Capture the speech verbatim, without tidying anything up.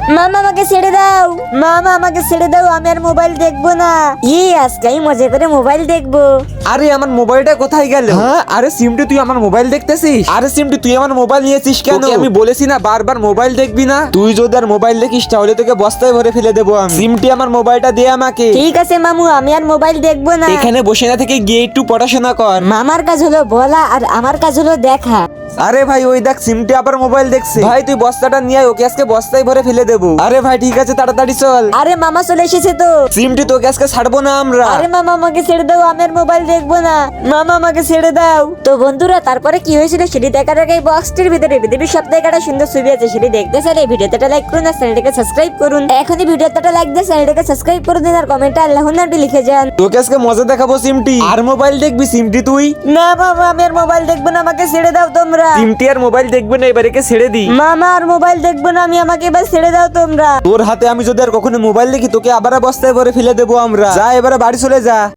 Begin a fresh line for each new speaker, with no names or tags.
মামা আমাকে ছেড়ে দাও, মামা আমাকে ছেড়ে দাও, আমি আর মোবাইল দেখবো না। ই আজকে আমি মজা করে মোবাইল দেখবো।
আরে আমার মোবাইলটা কোথায় গেল? হ্যাঁ আরে সিমটি তুই আমার মোবাইল দেখতেছিস? আরে সিমটি তুই আমার মোবাইল নিয়েছিস কেন? তোকে আমি বলেছি না বারবার মোবাইল দেখবি না। তুই যদি আর মোবাইল দেখিস তাহলে তোকে বস্তায় ভরে ফেলে দেবো আমি। সিমটি আমার মোবাইলটা দে আমাকে।
ঠিক আছে মামু, আমি আর মোবাইল দেখবো না।
এখানে বসে না থেকে গিয়ে একটু পড়াশোনা কর।
মামার কাজ হলো বলা আর আমার কাজ হলো দেখা।
আরে ভাই ওই দেখ সিমটি আবার মোবাইল দেখছে। ভাই তুই বস্তাটা নিয়ে আয়, ওকে আজকে বস্তায় ভরে ফেলে দেবো। আরে ভাই ঠিক আছে তাড়াতাড়ি চল।
আরে মামা চলে এসেছে তো।
সিমটি তোকে আজকে ছাড়বো না আমরা।
আরে মামা আমাকে ছেড়ে দাও, আমি আর মোবাইল দেখবো না। মামা আমাকে ছেড়ে দাও। তো বন্ধুরা তারপরে কি হয়েছিল সেটি দেখার আগে এই বক্সটির ভিতরে পৃথিবীর সব থেকে একটা সুন্দর ছবি আছে, সেটি দেখতে চাইলে ভিডিওতে লাইক করুন আর চ্যানেলটাকে সাবস্ক্রাইব করুন। এখনই ভিডিওতে লাইক দিয়ে চ্যানেলটাকে সাবস্ক্রাইব করে দিন আর কমেন্টে আল্লাহু নামটি লিখে যান।
তোকে আজকে মজা দেখাবো সিমটি। আর মোবাইল দেখবি সিমটি তুই?
না বাবা, আমি আর মোবাইল দেখবো না, আমাকে ছেড়ে দাও তোমরা।
সিমটি আর মোবাইল দেখবে না, এবারে ছেড়ে দি।
মামা আর মোবাইল দেখবো না আমি, আমাকে এবার ছেড়ে দাও তোমরা।
তোর হাতে আমি যদি আর কখনো মোবাইল দেখি তোকে আবার বস্তায় ভরে ফেলে দেবো আমরা। যা এবারে বাড়ি চলে যা।